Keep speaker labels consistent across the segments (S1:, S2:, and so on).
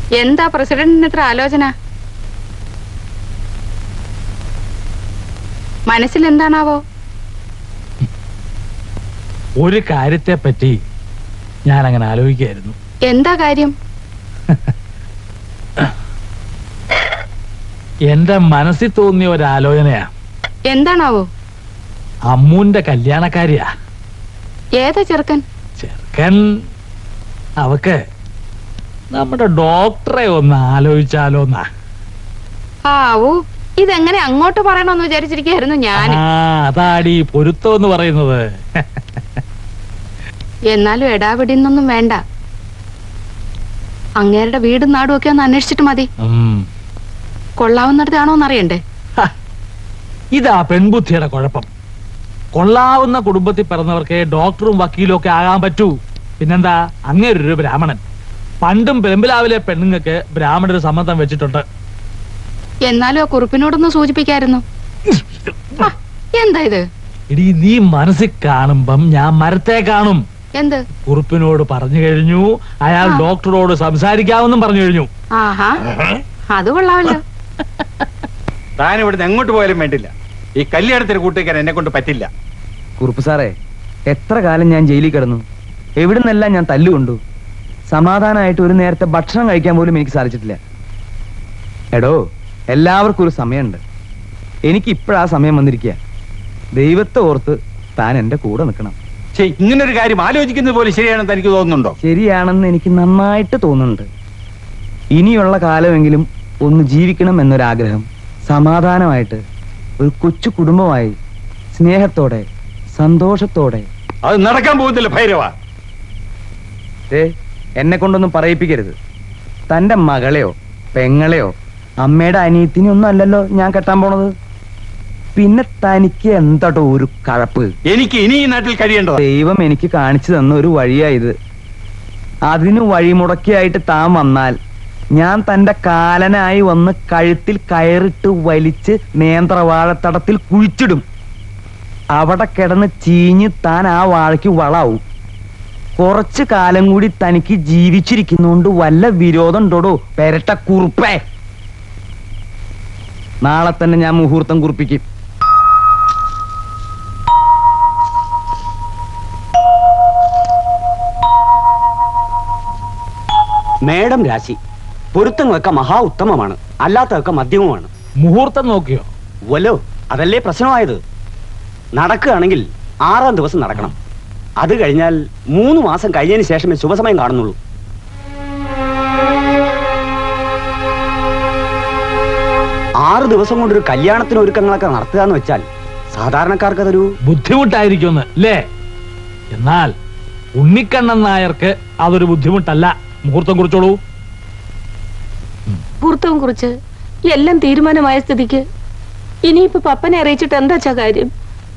S1: എന്താ പ്രസിഡന്റിന് ഇത്ര ആലോചന? മനസ്സിൽ എന്താണാവോ?
S2: ഒരു കാര്യത്തെ പറ്റി ഞാൻ അങ്ങനെ ആലോചിക്കായിരുന്നു.
S1: എന്താ കാര്യം?
S2: എന്റെ മനസ്സിൽ തോന്നിയ ഒരു ആലോചനയാ.
S1: എന്താണാവോ?
S2: അമ്മൂന്റെ കല്യാണക്കാരിയാ.
S1: ഏതാ ചെറുക്കൻ?
S2: ചെറുക്കൻ അവക്ക് നമ്മുടെ ഡോക്ടറെ ഒന്ന് ആലോചിച്ചാലോന്നാ.
S1: ആവൂ, ഇതെങ്ങനെ അങ്ങോട്ട് പറയണമെന്ന് വിചാരിച്ചിരിക്കായിരുന്നു ഞാൻ.
S2: അതാടി പൊരുത്തം എന്ന് പറയുന്നത്.
S1: എന്നാലും എടാപിടിന്നൊന്നും വേണ്ട. അങ്ങേരുടെ വീടും നാടും ഒക്കെ ഒന്ന് അന്വേഷിച്ചിട്ട് മതി. കൊള്ളാവുന്നിടത്താണോന്ന് അറിയണ്ടേ?
S2: ഇതാ പെൺബുദ്ധിയുടെ കുഴപ്പം. കൊള്ളാവുന്ന കുടുംബത്തിൽ പിറന്നവർക്ക് ഡോക്ടറും വക്കീലും ഒക്കെ ആകാൻ പറ്റൂ. പിന്നെന്താ, അങ്ങേരൊരു ബ്രാഹ്മണൻ. പണ്ടും പെരുമ്പിലാവിലെ പെണ്ണുങ്ങൾക്ക് ബ്രാഹ്മണര് സമ്മതം വെച്ചിട്ടുണ്ട്.
S1: എന്നാലും ആ കുറിപ്പിനോടൊന്ന് സൂചിപ്പിക്കായിരുന്നു. എന്താ ഇത്?
S2: ഇടി, നീ മനസ്സിൽ കാണുമ്പം ഞാൻ മരത്തെ കാണും.
S1: എന്ത്?
S2: കുറിപ്പിനോട് പറഞ്ഞു കഴിഞ്ഞു, അയാൾ ഡോക്ടറോട് സംസാരിക്കാമെന്നും പറഞ്ഞു കഴിഞ്ഞു.
S1: ആഹാ, അത് കൊള്ളാമല്ലോ.
S3: താൻ ഇവിടുന്ന് എങ്ങോട്ട് പോയാലും വേണ്ടില്ല, ഈ കല്യാണത്തിന് കൂട്ടിക്കാൻ എന്നെ കൊണ്ട് പറ്റില്ല.
S4: കുറുപ്പ് സാറേ, എത്ര കാലം ഞാൻ ജയിലിൽ കിടന്നു, എവിടുന്നെല്ലാം ഞാൻ തല്ലുകൊണ്ടു. സമാധാനമായിട്ട് ഒരു നേരത്തെ ഭക്ഷണം കഴിക്കാൻ പോലും എനിക്ക് സാധിച്ചിട്ടില്ല. എടോ, എല്ലാവർക്കും ഒരു സമയമുണ്ട്. എനിക്ക് ഇപ്പോഴാ സമയം വന്നിരിക്കുക. ദൈവത്തെ ഓർത്ത് താൻ എന്റെ കൂടെ നിൽക്കണം.
S3: ഇങ്ങനൊരു കാര്യം ആലോചിക്കുന്നത് പോലെ ശരിയാണെന്ന് എനിക്ക് തോന്നുന്നുണ്ടോ?
S4: ശരിയാണെന്ന് എനിക്ക് നന്നായിട്ട് തോന്നുന്നുണ്ട്. ഇനിയുള്ള കാലമെങ്കിലും ഒന്ന് ജീവിക്കണം എന്നൊരാഗ്രഹം, സമാധാനമായിട്ട് ഒരു കൊച്ചു കുടുംബമായി സ്നേഹത്തോടെ സന്തോഷത്തോടെ.
S3: അത് നടക്കാൻ പോകുന്നില്ല ഭൈരവ.
S4: എന്നെ കൊണ്ടൊന്നും പറയിപ്പിക്കരുത്. തന്റെ മകളെയോ പെങ്ങളെയോ അമ്മയുടെ അനിയത്തിനൊന്നും അല്ലല്ലോ ഞാൻ കെട്ടാൻ പോണത്. പിന്നെ തനിക്ക് എന്താട്ടോ ഒരു കഴപ്പ്?
S3: എനിക്ക് ഇനി ഈ നാട്ടിൽ കഴിയേണ്ടത്.
S4: ദൈവം എനിക്ക് കാണിച്ചു തന്ന ഒരു വഴിയായത്. അതിന് വഴിമുടക്കിയായിട്ട് താൻ വന്നാൽ ഞാൻ തന്റെ കാലനായി വന്ന് കഴുത്തിൽ കയറിട്ട് വലിച്ച് നേന്ത്രവാഴത്തടത്തിൽ കുഴിച്ചിടും. അവിടെ കിടന്ന് ചീഞ്ഞ് താൻ ആ വാഴയ്ക്ക് വളാവും. കുറച്ചു കാലം കൂടി തനിക്ക് ജീവിച്ചിരിക്കുന്നോണ്ട് വല്ല വിരോധം ഉണ്ടോടോ പെരട്ട കുറുപ്പേ? നാളെ തന്നെ ഞാൻ മുഹൂർത്തം കുറിപ്പിക്കും.
S5: മേഡം രാശി പൊരുത്തങ്ങളൊക്കെ മഹാ ഉത്തമമാണ്, അല്ലാത്തതൊക്കെ മധ്യമമാണ്.
S2: മുഹൂർത്തം നോക്കിയോ?
S5: വല്ലോ, അതല്ലേ പ്രശ്നമായത്. നടക്കുകയാണെങ്കിൽ 6-ാം ദിവസം നടക്കണം. അത് കഴിഞ്ഞാൽ 3 മാസം കഴിഞ്ഞതിന് ശേഷമേ ശുഭസമയം കാണുന്നുള്ളൂ. ആറ് ദിവസം കൊണ്ടൊരു കല്യാണത്തിന് ഒരുക്കങ്ങളൊക്കെ നടത്തുക എന്ന് വെച്ചാൽ സാധാരണക്കാർക്ക് അതൊരു
S2: ബുദ്ധിമുട്ടായിരിക്കും അല്ലേ? എന്നാൽ ഉണ്ണിക്കണ്ണൻ നായർക്ക് അതൊരു ബുദ്ധിമുട്ടല്ല. മുഹൂർത്തം കുറിച്ചോളൂ.
S1: മുഹൂർത്തം കുറിച്ച് എല്ലാം തീരുമാനമായ സ്ഥിതിക്ക് ഇനിയിപ്പോ പപ്പനെ അറിയിച്ചിട്ട് എന്താ കാര്യം?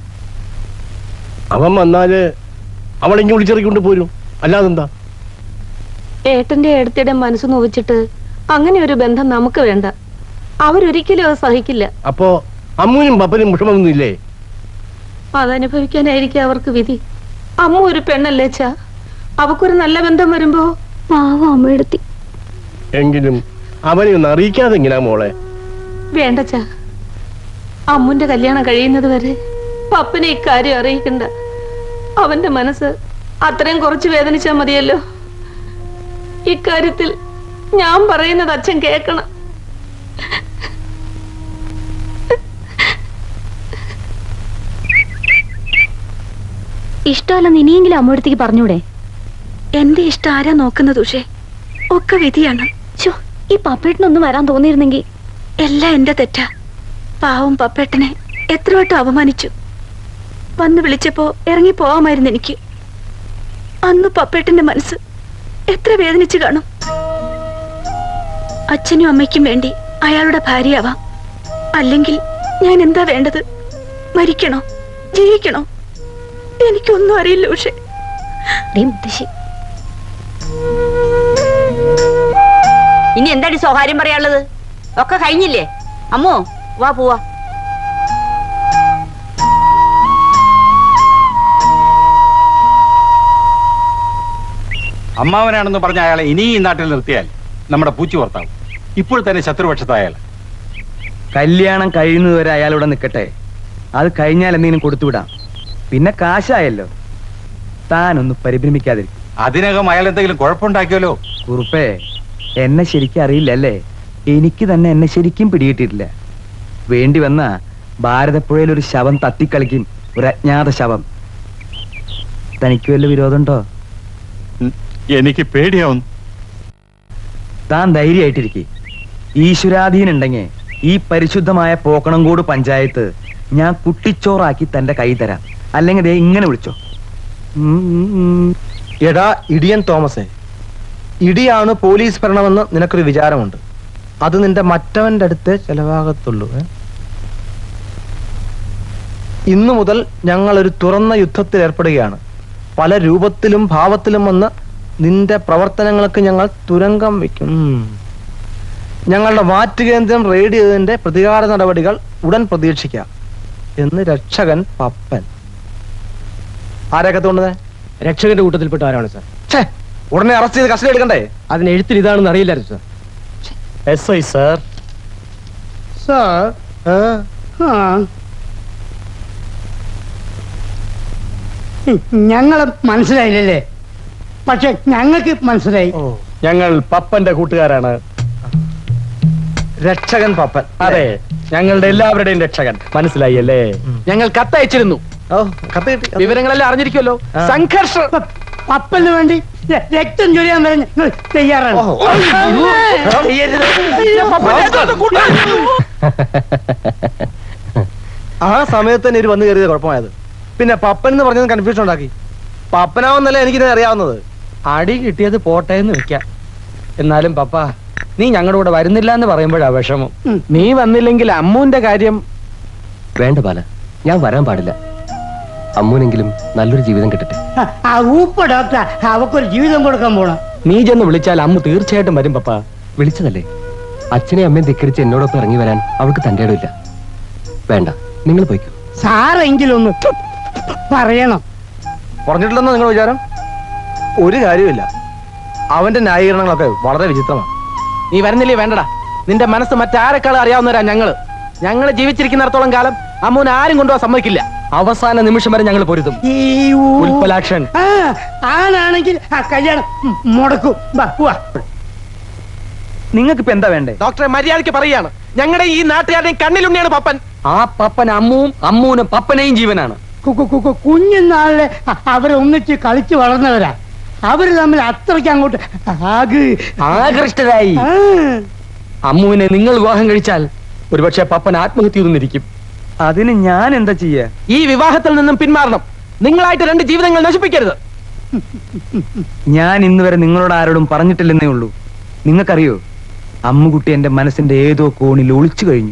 S6: അവൻ വന്നാല് അവളെങ്കിൽ വിളിച്ചിറക്കൊണ്ട് പോരും, അല്ലാതെന്താ?
S1: ഏട്ടന്റെ ഏടത്തിയുടെ മനസ്സ് നോവിച്ചിട്ട് അങ്ങനെ ഒരു ബന്ധം നമുക്ക് വേണ്ട. അവരൊരിക്കലും അത് സഹിക്കില്ല.
S6: അപ്പോ അമ്മൂനും പപ്പനും വിഷമൊന്നും ഇല്ലേ?
S1: അതനുഭവിക്കാനായിരിക്കും അവർക്ക് വിധി. അമ്മ ഒരു പെണ്ണല്ലേ ചാ, അവക്കൊരു നല്ല ബന്ധം വരുമ്പോ പാവം അമ്മയെടുത്തി.
S6: എങ്കിലും അവനെ ഒന്ന് അറിയിക്കാതെ എങ്ങനാ മോളെ?
S1: വേണ്ട ചാ, അമ്മുന്റെ കല്യാണം കഴിയുന്നത് വരെ പപ്പനെ ഇക്കാര്യം അറിയിക്കണ്ട. അവന്റെ മനസ്സ് അത്രയും കുറച്ച് വേദനിച്ചാ മതിയല്ലോ. ഇക്കാര്യത്തിൽ ഞാൻ പറയുന്നത് അച്ഛൻ കേൾക്കണം.
S7: ഇഷ്ടമല്ലെന്ന് ഇനിയെങ്കിലും അമ്മയടുത്തേക്ക് പറഞ്ഞൂടെ? എന്റെ ഇഷ്ടം ആരാ നോക്കുന്നത് ഉഷേ? ഒക്കെ വിധിയാണ്. ഈ പപ്പേട്ടനൊന്നും വരാൻ തോന്നിയിരുന്നെങ്കിൽ. എല്ലാം എന്റെ തെറ്റാ. പാവം പപ്പേട്ടനെ എത്ര വട്ടം അപമാനിച്ചു. വന്ന് വിളിച്ചപ്പോ ഇറങ്ങി പോവാമായിരുന്നു എനിക്ക്. അന്ന് പപ്പേട്ടന്റെ മനസ്സ് എത്ര വേദനിച്ചു കാണും. അച്ഛനും അമ്മയ്ക്കും വേണ്ടി അയാളുടെ ഭാര്യയാവാം. അല്ലെങ്കിൽ ഞാൻ എന്താ വേണ്ടത്? മരിക്കണോ ജീവിക്കണോ? എനിക്കൊന്നും അറിയില്ല ഉഷേ.
S8: ഇനി എന്താടി സ്വകാര്യം പറയാനുള്ളത്? ഒക്കെ കഴിഞ്ഞില്ലേ? അമ്മോ വാ പോവാ.
S3: അമ്മാവനാണെന്ന് പറഞ്ഞ അയാളെ ഇനി ഈ നാട്ടിൽ നിർത്തിയാൽ നമ്മുടെ പൂച്ചി പുറത്താവും. ഇപ്പോൾ തന്നെ ശത്രുപക്ഷത്തായാൽ
S4: കല്യാണം കഴിയുന്നതുവരെ അയാളിവിടെ നിൽക്കട്ടെ. അത് കഴിഞ്ഞാൽ എന്തെങ്കിലും കൊടുത്തുവിടാം. പിന്നെ കാശായല്ലോ. താനൊന്ന് പരിഭ്രമിക്കാതിരിക്കും.
S3: അതിനകം അയാൾ എന്തെങ്കിലും കുഴപ്പമുണ്ടാക്കിയല്ലോ.
S4: കുറുപ്പേ, എന്നെ ശരിക്കും അറിയില്ലല്ലേ? എനിക്ക് തന്നെ എന്നെ ശരിക്കും പിടികിട്ടിട്ടില്ല. വേണ്ടി വന്ന ഭാരതപ്പുഴയിൽ ഒരു ശവം തത്തിക്കളിക്കും, ഒരു അജ്ഞാത ശവം. തനിക്ക് വല്ല വിരോധമുണ്ടോ?
S3: എനിക്ക് പേടിയാവുന്നു.
S4: താൻ ധൈര്യമായിട്ടിരിക്കെ. ഈശ്വരാധീനുണ്ടെങ്കിൽ ഈ പരിശുദ്ധമായ പോക്കണംകോട് പഞ്ചായത്ത് ഞാൻ കുട്ടിച്ചോറാക്കി തന്റെ കൈ തരാം. അല്ലെങ്കിൽ ദേ ഇങ്ങനെ വിളിച്ചോ.
S6: എടാ ഇടിയൻ തോമസേ, ഇടിയാണ് പോലീസ് ഭരണമെന്ന് നിനക്കൊരു വിചാരമുണ്ട്. അത് നിന്റെ മറ്റവന്റെ അടുത്തേ ചെലവാകത്തുള്ളൂ. ഇന്നു മുതൽ ഞങ്ങൾ ഒരു തുറന്ന യുദ്ധത്തിൽ ഏർപ്പെടുകയാണ്. പല രൂപത്തിലും ഭാവത്തിലും വന്ന് നിന്റെ പ്രവർത്തനങ്ങൾക്ക് ഞങ്ങൾ തുരങ്കം വയ്ക്കും. ഞങ്ങളുടെ വാറ്റ് കേന്ദ്രം റെയ്ഡ് ചെയ്തതിന്റെ പ്രതികാര നടപടികൾ ഉടൻ പ്രതീക്ഷിക്കാം എന്ന് രക്ഷകൻ പപ്പൻ. ആരെയൊക്കെ തോന്നുന്നത്?
S9: രക്ഷകന്റെ കൂട്ടത്തിൽപ്പെട്ട ആരാണ് സാർ?
S6: ഉടനെ അറസ്റ്റ് ചെയ്ത് കസ്റ്റഡി എടുക്കണ്ടേ?
S9: അതിന് എഴുത്തിൽ ഇതാണെന്ന് അറിയില്ലായിരുന്നു സാർ.
S6: SI sir. സാർ
S9: ഞങ്ങളെ മനസ്സിലായില്ലല്ലേ? പക്ഷെ ഞങ്ങൾക്ക് മനസ്സിലായി.
S6: ഞങ്ങൾ പപ്പന്റെ കൂട്ടുകാരാണ്. രക്ഷകൻ പപ്പൻ. അതെ, ഞങ്ങളുടെ എല്ലാവരുടെയും രക്ഷകൻ. മനസ്സിലായി അല്ലേ?
S9: ഞങ്ങൾ കത്തയച്ചിരുന്നു.
S6: കത്ത് കിട്ടി.
S9: വിവരങ്ങളെല്ലാം അറിഞ്ഞിരിക്കുമല്ലോ. സംഘർഷം പപ്പന് വേണ്ടി രക്തം ചൊരിയാൻ വരെ ഞങ്ങൾ തയ്യാറാണ്.
S6: ആ സമയത്ത് തന്നെ ഇവര് വന്നു കയറിയത് കുഴപ്പമായത്. പിന്നെ പപ്പൻ എന്ന് പറഞ്ഞത് കൺഫ്യൂഷൻ ഉണ്ടാക്കി. പപ്പനാവുന്നല്ലേ എനിക്കിത് അറിയാവുന്നത്.
S9: അടി കിട്ടിയത് പോട്ടെ എന്ന് വെക്കാം. എന്നാലും പപ്പ, നീ ഞങ്ങളുടെ കൂടെ വരുന്നില്ല എന്ന് പറയുമ്പോഴാ വിഷമം. നീ വന്നില്ലെങ്കിൽ അമ്മുവിന്റെ കാര്യം.
S10: വേണ്ട ബാല, ഞാൻ വരാൻ പാടില്ല. അമ്മൂനെങ്കിലും നല്ലൊരു ജീവിതം കിട്ടട്ടെ.
S9: ഡോക്ടർ അവക്കൊരു ജീവിതം കൊടുക്കാൻ പോണം. നീ ചെന്ന് വിളിച്ചാൽ അമ്മു തീർച്ചയായിട്ടും വരും പപ്പ.
S10: വിളിച്ചതല്ലേ? അച്ഛനെ അമ്മയും ധിക്കരിച്ച് എന്നോടൊപ്പം ഇറങ്ങി വരാൻ അവൾക്ക് തന്റെ ഇടമില്ല. വേണ്ട, നിങ്ങൾ പോയിക്കോ.
S9: സാറെങ്കിലും ഒന്ന് പറയണം.
S6: പറഞ്ഞിട്ടില്ലെന്നോ നിങ്ങൾ വിചാരം? ഒരു കാര്യമില്ല. അവന്റെ ന്യായീകരണങ്ങളൊക്കെ വളരെ വിചിത്രമാണ്.
S9: നീ വരുന്നില്ലേ? വേണ്ടടാ. നിന്റെ മനസ്സ് മറ്റാരെക്കാളും അറിയാവുന്നവരാ ഞങ്ങള് ജീവിച്ചിരിക്കുന്നിടത്തോളം കാലം അമ്മൂനെ ആരും കൊണ്ടുപോകാൻ സമ്മതിക്കില്ല.
S10: അവസാന നിമിഷം വരെ ഞങ്ങൾ പൊരുതും.
S9: ഉൽപ്പലാക്ഷൻ ആണാണെങ്കിൽ ആ കല്യാണം മുടക്കും.
S4: നിങ്ങൾക്ക് ഇപ്പൊ എന്താ വേണ്ടേ?
S9: ഡോക്ടറെ, മര്യാദയ്ക്ക് പറയാണ്, ഞങ്ങളുടെ ഈ നാട്ടുകാരുടെയും കണ്ണിലുണ്ണിയാണ് പപ്പൻ.
S10: ആ പപ്പൻ അമ്മുവും അമ്മൂനും പപ്പനെയും ജീവനാണ്.
S9: കുഞ്ഞുനാളിലെ അവരെ ഒന്നിച്ച് കളിച്ചു വളർന്നവരാ. അവര് തമ്മിൽ അത്രയ്ക്ക് അങ്ങോട്ട്
S10: ആകൃഷ്ടരായി. അമ്മുവിനെ നിങ്ങൾ വിവാഹം കഴിച്ചാൽ ഒരുപക്ഷെ പപ്പൻ ആത്മഹത്യ ചെയ്തിരിക്കും.
S4: അതിന് ഞാൻ എന്താ ചെയ്യാ?
S9: ഈ വിവാഹത്തിൽ നിന്നും പിന്മാറണം. നിങ്ങളായിട്ട് രണ്ട് ജീവിതങ്ങൾ നശിപ്പിക്കരുത്.
S4: ഞാൻ ഇന്ന് വരെ നിങ്ങളോട് ആരോടും പറഞ്ഞിട്ടില്ലെന്നേ ഉള്ളൂ. നിങ്ങൾക്കറിയോ, അമ്മുകുട്ടി എന്റെ മനസ്സിന്റെ ഏതോ കോണിൽ ഒളിച്ചു കഴിഞ്ഞു.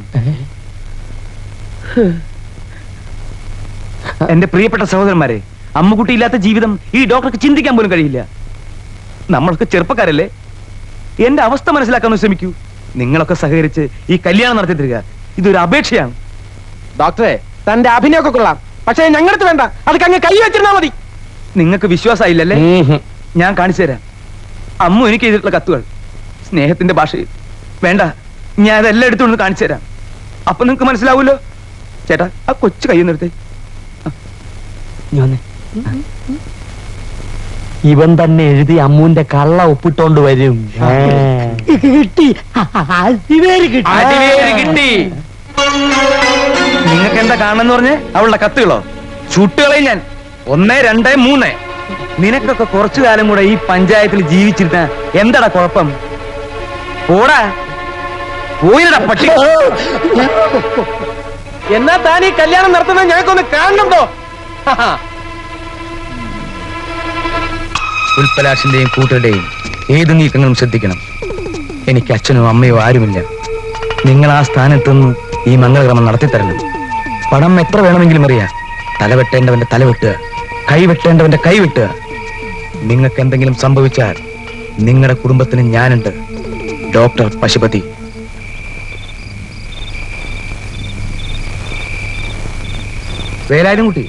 S4: എന്റെ പ്രിയപ്പെട്ട സഹോദരന്മാരെ, അമ്മുകുട്ടി ഇല്ലാത്ത ജീവിതം ഈ ഡോക്ടർക്ക് ചിന്തിക്കാൻ പോലും കഴിയില്ല. നമ്മളൊക്കെ ചെറുപ്പക്കാരല്ലേ? എന്റെ അവസ്ഥ മനസ്സിലാക്കാൻ ശ്രമിക്കൂ. നിങ്ങളൊക്കെ സഹകരിച്ച് ഈ കല്യാണം നടത്തി തരിക. ഇതൊരു അപേക്ഷയാണ്.
S9: ഡോക്ടറെ, തന്റെ അഭിനയമൊക്കെ കൊള്ളാം, പക്ഷേ ഞങ്ങൾക്ക് വേണ്ട. അത് അങ്ങ് കൈ വെച്ചിരുന്നാ മതി.
S4: നിങ്ങൾക്ക് വിശ്വാസമായില്ലല്ലേ? ഞാൻ കാണിച്ചു തരാം. അമ്മു എനിക്ക് എഴുതിയിട്ടുള്ള കത്തുകൾ സ്നേഹത്തിന്റെ ഭാഷയിൽ. വേണ്ട, ഞാൻ അതെല്ലാം എടുത്തുകൊണ്ട് കാണിച്ചു തരാം. അപ്പൊ നിങ്ങക്ക് മനസ്സിലാവൂല്ലോ. ചേട്ടാ, ആ കൊച്ചു കൈ നിർത്തേ.
S10: ഇവൻ തന്നെ എഴുതി അമ്മൂന്റെ കള്ള ഒപ്പിട്ടോണ്ട് വരും.
S9: കിട്ടി,
S4: കിട്ടി. നിങ്ങൾക്ക് എന്താ കാണണമെന്ന് പറഞ്ഞ് അവളുടെ കത്തുകളോ? ചുട്ടുകളെ ഞാൻ 1, 2, 3. നിനക്കൊക്കെ കുറച്ചു കാലം കൂടെ ഈ പഞ്ചായത്തിൽ ജീവിച്ചിരുന്ന എന്താടാ കുഴപ്പം? പോടാ, പോയിടാ പട്ടി.
S9: എന്നാ താൻ ഈ കല്യാണം നടത്തുന്നത് ഞങ്ങൾക്കൊന്ന് കാണണോ?
S4: ഉൽപ്പലാഷിന്റെയും കൂട്ടരുടെയും ഏത് നീക്കങ്ങളും ശ്രദ്ധിക്കണം. എനിക്ക് അച്ഛനോ അമ്മയോ ആരുമില്ല. നിങ്ങൾ ആ സ്ഥാനത്തുനിന്ന് ഈ മംഗളക്രമം നടത്തിത്തരണം. പണം എത്ര വേണമെങ്കിലും അറിയാം. തലവെട്ടേണ്ടവന്റെ തലവെട്ടുക, കൈവെട്ടേണ്ടവന്റെ കൈവെട്ടുക. നിങ്ങൾക്ക് എന്തെങ്കിലും സംഭവിച്ചാൽ നിങ്ങളുടെ കുടുംബത്തിന് ഞാനുണ്ട്. ഡോക്ടർ പശുപതി. വേലായുധം കുട്ടി,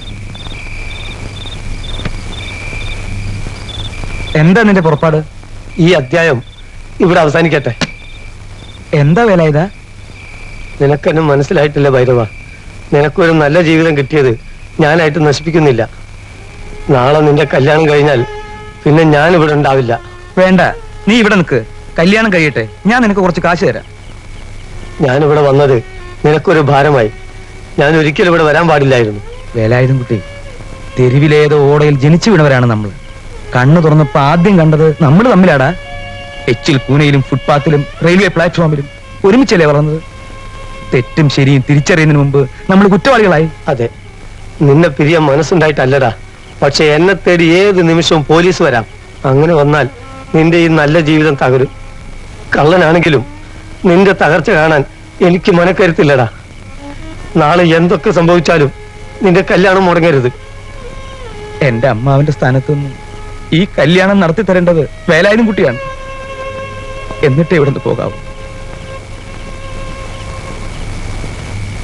S4: എന്താ നിന്റെ പുറപ്പാട്?
S11: ഈ അധ്യായം ഇവിടെ അവസാനിക്കട്ടെ.
S4: എന്താ വേല ഇതാ?
S11: നിനക്കെന്നെ മനസ്സിലായിട്ടില്ല ഭൈരവ. നിനക്കൊരു നല്ല ജീവിതം കിട്ടിയത് ഞാനായിട്ട് നശിപ്പിക്കുന്നില്ല. നാളെ നിന്റെ കല്യാണം കഴിഞ്ഞാൽ പിന്നെ ഞാൻ ഇവിടെ ഉണ്ടാവില്ല.
S4: വേണ്ട, നീ ഇവിടെ നിൽക്ക്. കല്യാണം കഴിയട്ടെ, ഞാൻ നിനക്ക് കുറച്ച് കാശ് തരാം.
S11: ഞാനിവിടെ വന്നത് നിനക്കൊരു ഭാരമായി. ഞാൻ ഒരിക്കലും ഇവിടെ വരാൻ പാടില്ലായിരുന്നു.
S4: വേലായുധം കുട്ടി, തെരുവിലേതോ ഓടയിൽ ജനിച്ചു വീണവരാണ് നമ്മൾ. കണ്ണു തുറന്നപ്പോ ആദ്യം കണ്ടത് നമ്മൾ തമ്മിലാടാ. എച്ചിൽ കൂനയിലും ഫുട്പാത്തിലും റെയിൽവേ പ്ലാറ്റ്ഫോമിലും ഒരുമിച്ചല്ലേ വളർന്നത്. തെറ്റും ശരിയും തിരിച്ചറിയുന്നതിന് മുമ്പ് നമ്മൾ കുറ്റവാളികളായി.
S11: അതെ, നിന്നെ പിരിയാൻ മനസ്സുണ്ടായിട്ടല്ലടാ. പക്ഷെ എന്നെ തേടി ഏത് നിമിഷവും പോലീസ് വരാം. അങ്ങനെ വന്നാൽ നിന്റെ ഈ നല്ല ജീവിതം തകരും. കള്ളനാണെങ്കിലും നിന്റെ തകർച്ച കാണാൻ എനിക്ക് മനക്കരുത്തില്ലടാ. നാളെ എന്തൊക്കെ സംഭവിച്ചാലും നിന്റെ കല്യാണം മുടങ്ങരുത്.
S4: എന്റെ അമ്മാവിന്റെ സ്ഥാനത്തുനിന്ന് ഈ കല്യാണം നടത്തി തരേണ്ടത് വേലായുധം കുട്ടിയാണ്. എന്നിട്ടേ ഇവിടെ നിന്ന് പോകാവൂ.